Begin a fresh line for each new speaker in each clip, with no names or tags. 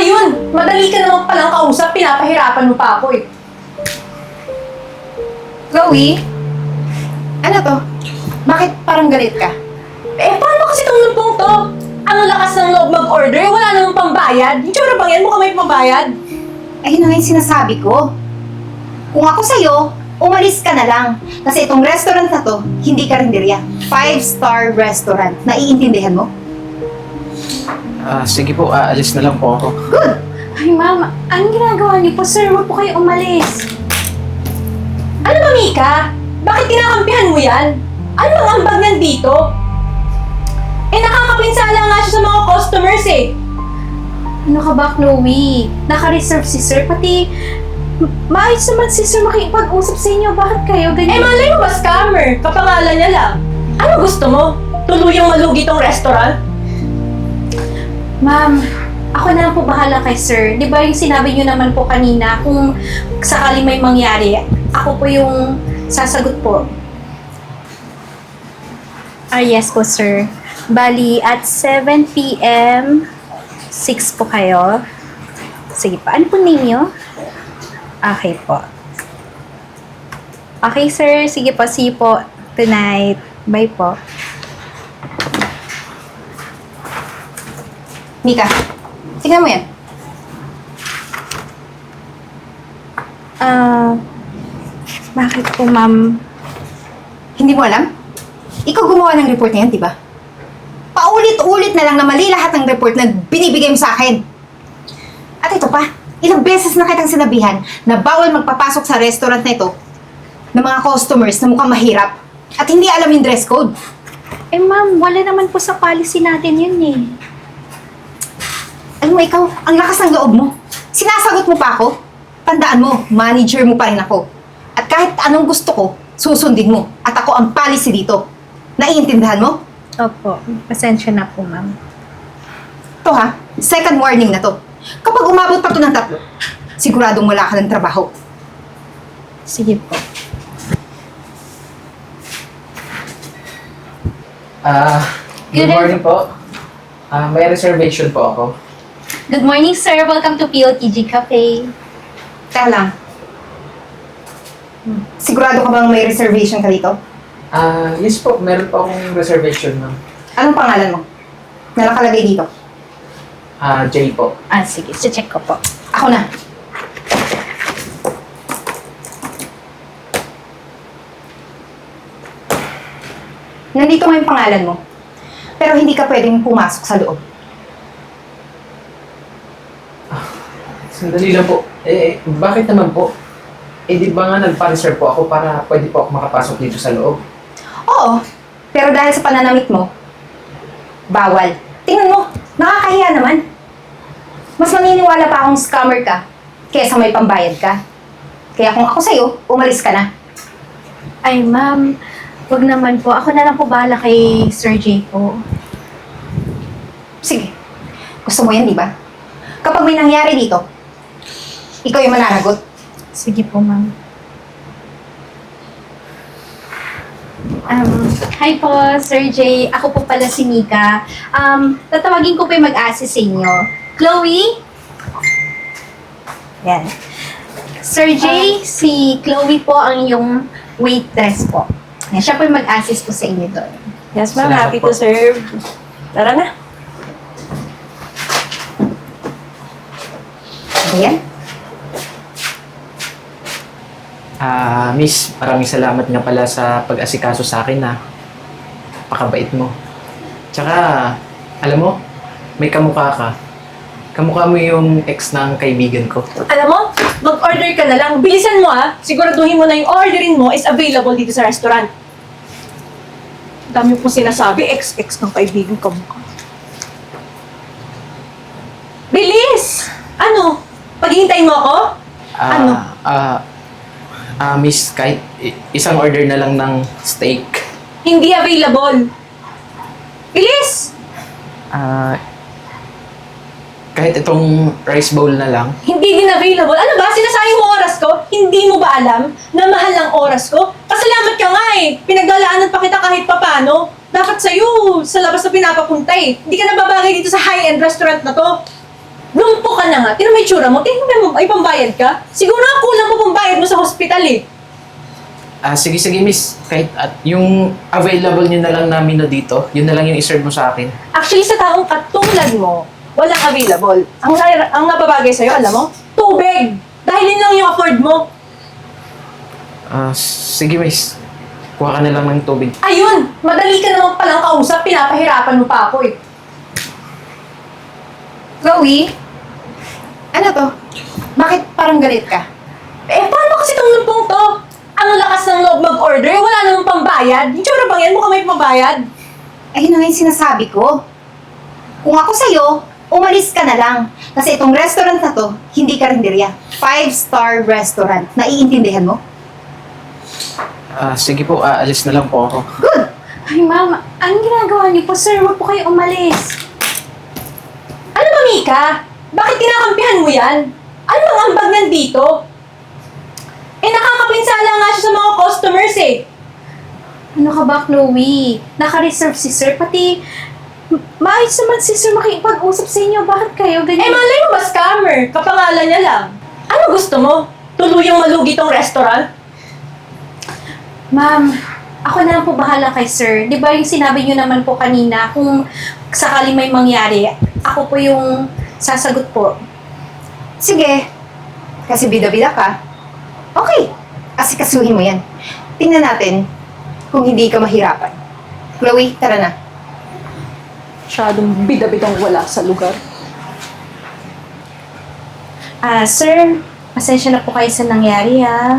yun? Madali ka naman palang kausap, pinapahirapan mo pa ako eh.
Chloe? Ano to? Bakit parang galit ka?
Eh, paano kasi itong lumpong to? Ang lakas ng loob mag-order, wala namang pambayad. Yung tsura bang yan, mukhang may pambayad.
Ayun na nga yung sinasabi ko. Kung ako sa'yo, umalis ka na lang. Kasi itong restaurant na to, hindi karinderya. 5-star restaurant. Naiintindihan mo?
Sige po, alis na lang po ako.
Good!
Ay, ma'am, anong ginagawa niyo po, sir? Huwag po kayo umalis.
Ano ba, Mika? Bakit kinakampihan mo yan? Ano bang ambag niyan dito? Eh, nakakapinsala nga siya sa mga customers eh.
Ano ka ba, Chloe? Naka-reserve si sir, pati maayos naman si sir makipag-usap sa inyo. Bakit kayo
Eh,
ganyan?
malay mo ba scammer? Kapangalan niya lang. Ano gusto mo? Tuluyang malugi tong restaurant?
Ma'am, ako na lang po bahala kay sir. Di ba yung sinabi niyo naman po kanina, kung sakali may mangyari, ako po yung sasagot po. Yes po, sir. Bali, at 7 p.m., 6 po kayo. Sige pa. Ano po name niyo? Okay po. Okay, sir. Sige po. See you po tonight. Bye po.
Mika, tingnan mo yan.
Bakit po, ma'am?
Hindi mo alam? Ikaw gumawa ng report na yan, di ba? Paulit-ulit na lang na mali lahat ng report na binibigay mo sa akin. At ito pa, ilang beses na kitang sinabihan na bawal magpapasok sa restaurant na ito ng mga customers na mukhang mahirap at hindi alam yung dress code.
Eh, ma'am, wala naman po sa policy natin yun eh.
Alam mo ikaw, ang lakas ng loob mo. Sinasagot mo pa ako? Tandaan mo, manager mo pa rin ako. At kahit anong gusto ko, susundin mo. At ako ang policy dito. Naiintindihan mo?
Opo, pasensya na po, ma'am.
Ito ha, second warning na to. Kapag umabot pa to ng 3, siguradong wala ka ng trabaho.
Sige po.
Good morning po. May reservation po ako.
Good morning, sir. Welcome to PLTG Cafe.
Teka lang. Sigurado ka bang may reservation ka dito?
Yes po, meron po akong reservation, ma'am.
Anong pangalan mo? Na nakalagay dito.
Jay po.
Sige. Check ko po.
Ako na. Nandito nga yung pangalan mo. Pero hindi ka pwedeng pumasok sa loob.
Sandali lang po. Bakit naman po? Di ba nga nagpa-reserve po ako para pwede po ako makapasok dito sa loob?
Oo, pero dahil sa pananamit mo, bawal. Tingnan mo, nakakahiya naman. Mas maniniwala pa akong scammer ka kaysa may pambayad ka. Kaya kung ako sa'yo, umalis ka na.
Ay, ma'am. Wag naman po. Ako na lang po bahala kay Sir J po.
Sige, gusto mo yan, di ba? Kapag may nangyari dito, ikaw yung mananagot.
Sige po, ma'am. Hi po, Sir J. Ako po pala si Mika. Tatawagin ko po yung mag-assist sa inyo. Chloe? Yan. Sir J, si Chloe po ang yung waitress po. Yan, siya po yung mag-assist po sa inyo doon.
Yes, ma'am.
Salamat
Happy
po.
to serve. Tara na.
Ayan.
Miss, maraming salamat nga pala sa pag-asikaso sa akin na pakabait mo. Tsaka, alam mo, may kamukha ka. Kamukha mo yung ex ng kaibigan ko.
Alam mo, mag-order ka na lang. Bilisan mo ah. Siguraduhin mo na yung orderin mo is available dito sa restaurant. Dami po sinasabi, ex ng kaibigan ko mukha. Bilis! Ano? Paghihintayin mo ako? Ano?
Miss, kahit isang order na lang ng steak.
Hindi available. Bilis!
Kahit itong rice bowl na lang.
Hindi din available. Ano ba? Sinasayang mo oras ko? Hindi mo ba alam na mahal ang oras ko? Pasalamat ka nga eh. Pinaglalaanan pa kita kahit papano. Dapat sa'yo, sa labas na pinapapunta eh. Hindi ka nababagay dito sa high-end restaurant na to. Lumpo ka na nga. Tingnan mo yung tsura mo. Tingnan mo, ay pambayad ka. Siguro nga kulang pa pambayad mo sa hospital eh.
Sige, miss. Kahit at yung available nyo na lang na menu dito, yun na lang yung iserve mo sa akin.
Actually, sa taong katulad mo, walang available. Ang napabagay sa'yo, alam mo? Tubig! Dahil yun lang yung afford mo.
Sige, miss. Kuha ka na lang ng tubig.
Ayun! Madali ka naman palang kausap. Pinapahirapan mo pa ako eh.
Chloe? Ano to? Bakit parang galit ka?
Eh, paano kasi itong lumpong to? Ang lakas ng loob mag-order, wala namang pambayad. Yung tsura bang yan? Mukhang may pambayad.
Ayun na nga yung sinasabi ko. Kung ako sa'yo, umalis ka na lang. Kasi itong restaurant na to, hindi karinderya. 5-star restaurant. Naiintindihan mo?
Sige po, alis na lang po ako.
Good!
Ay, ma'am, anong ginagawa niyo po, sir? Huwag po kayo umalis.
Ano ba, Mika? Bakit kinakampihan mo yan? Ano bang ambag niyan dito? Eh, nakakapinsala nga siya sa mga customers eh.
Ano ka ba, Chloe? Naka-reserve si sir, pati maayos naman si sir makipag-usap sa inyo. Bakit kayo
Eh,
ganyan?
malay mo ba scammer? Kapangalan niya lang. Ano gusto mo? Tuluyang malugi tong restaurant?
Ma'am, ako na lang po bahala kay sir. Di ba yung sinabi niyo naman po kanina, kung sakali may mangyari, ako po yung sasagot po.
Sige. Kasi bida-bida ka. Okay. Asikasuhin mo yan. Tingnan natin kung hindi ka mahirapan. Chloe, tara na.
Masyadong bida-bidang wala sa lugar.
Sir, pasensya na po kayo sa nangyari,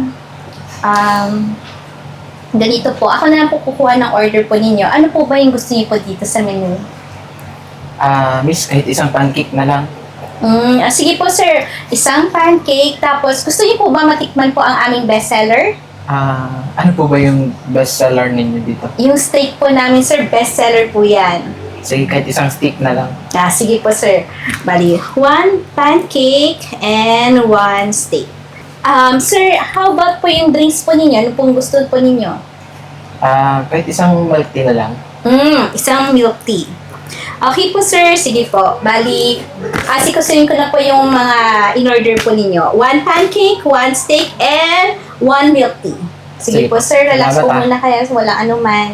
ganito po. Ako na lang po kukuha ng order po ninyo. Ano po ba yung gusto niyo po dito sa menu?
Miss, kahit isang pancake na lang.
Sige po, sir. Isang pancake. Tapos, gusto niyo po ba matikman po ang aming bestseller?
Ano po ba yung best seller ninyo dito?
Yung steak po namin, sir. Bestseller po yan.
Sige, kahit isang steak na lang.
Sige po, sir. Bali, 1 pancake and 1 steak. Sir, how about po yung drinks po ninyo? Ano pong gusto po ninyo?
Kahit isang milk tea na lang.
Isang milk tea. Okay po, sir. Sige po. Bali, asikusuin ko na po yung mga in-order po ninyo. 1 pancake, 1 steak, and 1 milk tea. Sige
Sige.
po, sir. Relax po
Salamat,
muna kaya. Wala anuman.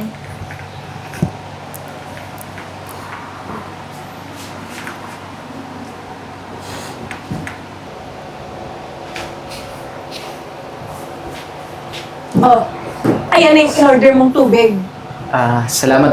Oh, ayan na yung in-order mong tubig.
Salamat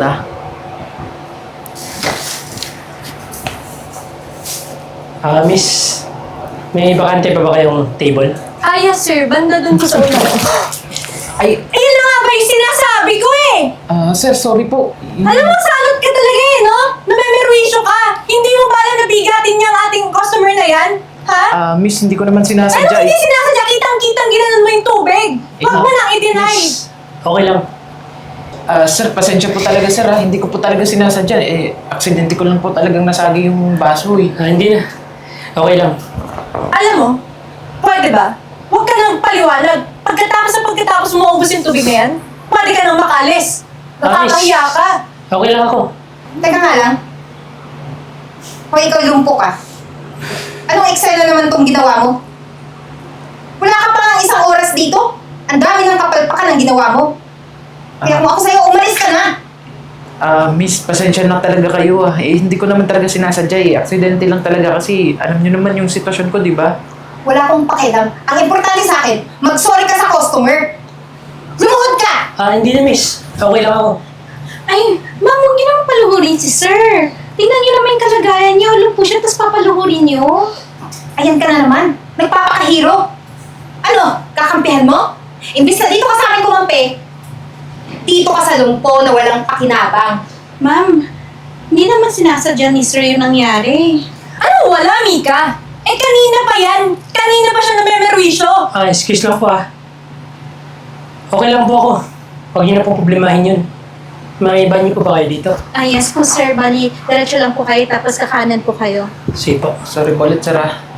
Miss, may bakante pa ba kayong table?
Yes sir, banda dun ko sa una.
Ay,
Ayun na nga ba yung sinasabi ko eh!
sir, sorry po.
Alam mo, salot ka talaga eh, no? Namemerwisyo ka! Hindi mo ba alam na bigatin niya ang ating customer na yan? Ha?
Miss, hindi ko naman
Ano
sinasadya.
hindi sinasadya? Kitang-kitang ginanon mo yung tubig! Huwag mo nang i-deny!
Miss,
Okay lang.
sir, pasensya po talaga, sir. Hindi ko po talaga sinasadya. Aksidente ko lang po talagang nasagi yung baso eh.
Hindi na. Okay lang.
Alam mo, pwede ba? Huwag ka nang paliwanag. Pagkatapos mo maubos yung tubig na yan, pwede ka nang makalis. Nakakahiya ka.
Okay lang ako.
Teka nga lang. Kung ikaw lumpo ka, anong Excel na naman itong ginawa mo? Wala ka pa nga isang oras dito. Ang dami ng kapalpakan ng ginawa mo. Kaya kung ako sa'yo, umalis ka na.
Miss, pasensya na talaga kayo hindi ko naman talaga sinasadya Aksidente lang talaga kasi alam niyo naman yung sitwasyon ko, di ba?
Wala akong pakialam. Ang importante sa akin, mag-sorry ka sa customer. Lumuhod ka!
Hindi na, miss. Okay lang ako.
Ay, ma'am, huwag niyo naman paluhurin si sir. Tingnan niyo naman yung kalagayan niyo. Alam po siya, tapos papaluhurin niyo.
Ayan ka na naman. Nagpapakahiro. Ano? Kakampihan mo? Imbis na dito ka sa amin kumampi, dito ka sa lumpo na walang pakinabang.
Ma'am, hindi naman sinasadya ni sir yung nangyari.
Ano wala, Mika? Eh kanina pa yan. Kanina pa siya namemerwisyo.
Excuse lang po Okay lang po ako. Huwag niyo na pong problemahin yun. May iba niyo po ba kayo dito?
Yes po, sir. Bali, diretso lang po kayo, tapos kakanan po kayo.
Sige po.
Sorry po ulit, sir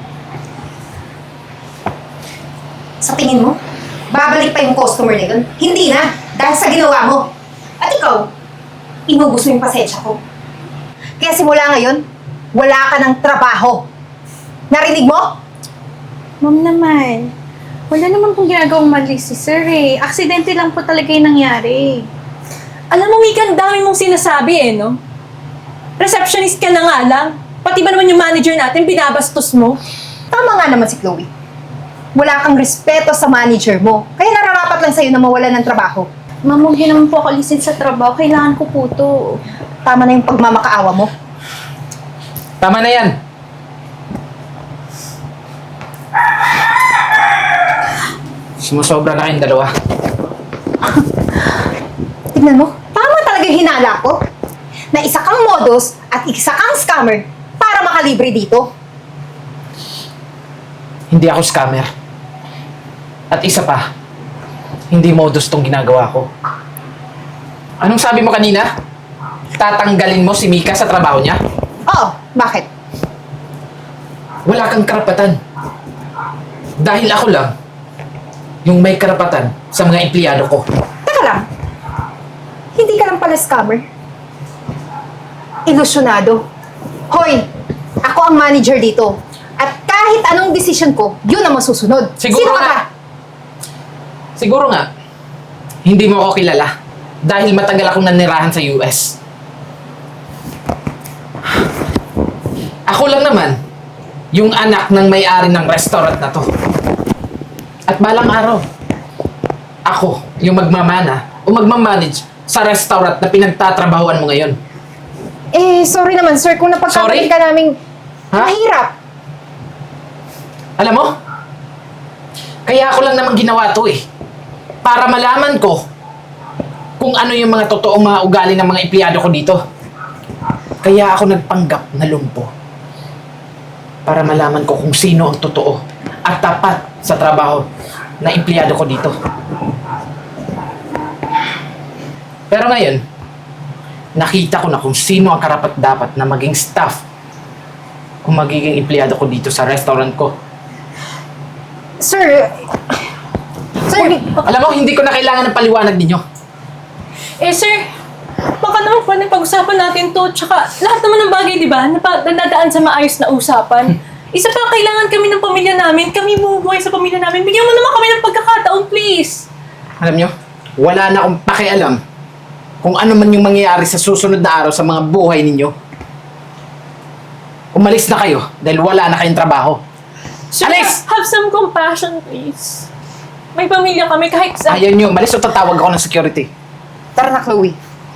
Sa tingin mo, babalik pa yung customer na yun? Hindi na, dahil sa ginawa mo. At ikaw, inubos mo yung pasensya ko. Kaya simula ngayon, wala ka ng trabaho. Narinig mo?
Ma'am naman, wala naman pong ginagawang mali si sir eh. Aksidente lang po talaga yung nangyari.
Alam mo, Mika, ang dami mong sinasabi no? Receptionist ka na nga lang. Pati ba naman yung manager natin, binabastos mo?
Tama nga naman si Chloe. Wala kang respeto sa manager mo. Kaya nararapat lang sa'yo na mawalan ng trabaho.
Ma'am, huwag niyo naman po ako alisin sa trabaho. Kailangan ko po to.
Tama na yung pagmamakaawa mo.
Tama na yan. Sumusobra na kayong dalawa.
Tignan mo, tama talaga yung hinala ko. Na isa kang modus at isa kang scammer para makalibre dito.
Hindi ako scammer. At isa pa, hindi modus tong ginagawa ko. Anong sabi mo kanina? Tatanggalin mo si Mika sa trabaho niya?
Oo, bakit?
Wala kang karapatan. Dahil ako lang, yung may karapatan sa mga empleyado ko.
Teka lang. Hindi ka lang pala scammer. Ilusyonado. Hoy, ako ang manager dito. At kahit anong decision ko, yun ang masusunod.
Siguro
Sino ka
nga.
ba?
Siguro nga, hindi mo ako kilala dahil matagal akong nanirahan sa US. Ako lang naman, yung anak ng may-ari ng restaurant na to. At balang araw, ako yung magmamana o magmamanage sa restaurant na pinagtatrabahuan mo ngayon.
Eh, sorry naman sir, kung napagkamali
Sorry?
ka naming
Ha?
mahirap.
Alam mo, kaya ako lang naman ginawa to eh. Para malaman ko kung ano yung mga totoong mga ugali ng mga empleyado ko dito. Kaya ako nagpanggap na lumpo. Para malaman ko kung sino ang totoo at tapat sa trabaho na empleyado ko dito. Pero ngayon, nakita ko na kung sino ang karapat-dapat na maging staff kung magiging empleyado ko dito sa restaurant ko.
Sir,
Alam mo, hindi ko na kailangan ng paliwanag ninyo.
Eh, sir, baka naman pwede pag-usapan natin to. Tsaka, lahat naman ng bagay, di ba, nadadaan sa maayos na usapan. Isa pa, kailangan kami ng pamilya namin. Kami bumubuhay sa pamilya namin. Bigyan mo naman kami ng pagkakataon, please.
Alam nyo, wala na akong pakialam kung ano man yung mangyayari sa susunod na araw sa mga buhay ninyo. Umalis na kayo dahil wala na kayong trabaho.
Sir,
Alis!
have some compassion, please. May pamilya kami kahit sa...
Ayaw nyo, umalis o tatawag ako ng security.
tara na Chloe.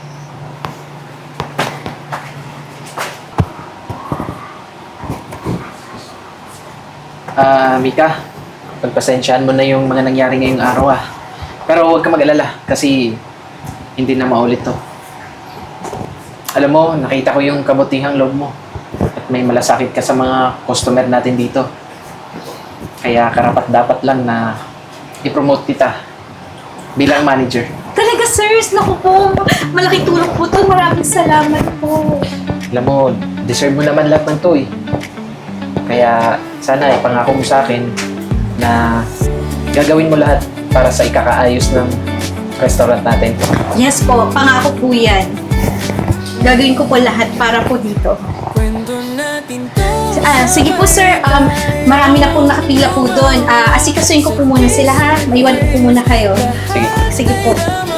Mika, pagpasensyaan mo na yung mga nangyari ngayong araw Pero huwag ka mag-alala kasi hindi na maulit to. Alam mo, nakita ko yung kabutihang loob mo at may malasakit ka sa mga customer natin dito. Kaya karapat dapat lang na i-promote kita bilang manager.
Talaga, sirs. Naku po. Malaking tulong po to. Maraming salamat po.
Alam mo, deserve mo naman lahat ng to Kaya sana ipangako mo sa akin na gagawin mo lahat para sa ikakaayos ng restaurant natin.
Yes po. Pangako po yan. Gagawin ko po lahat para po dito. Sige po, sir. Marami na pong nakapila po doon. Asikasuin ko po muna sila, ha? Maiwan ko po muna kayo.
Sige.
Sige po.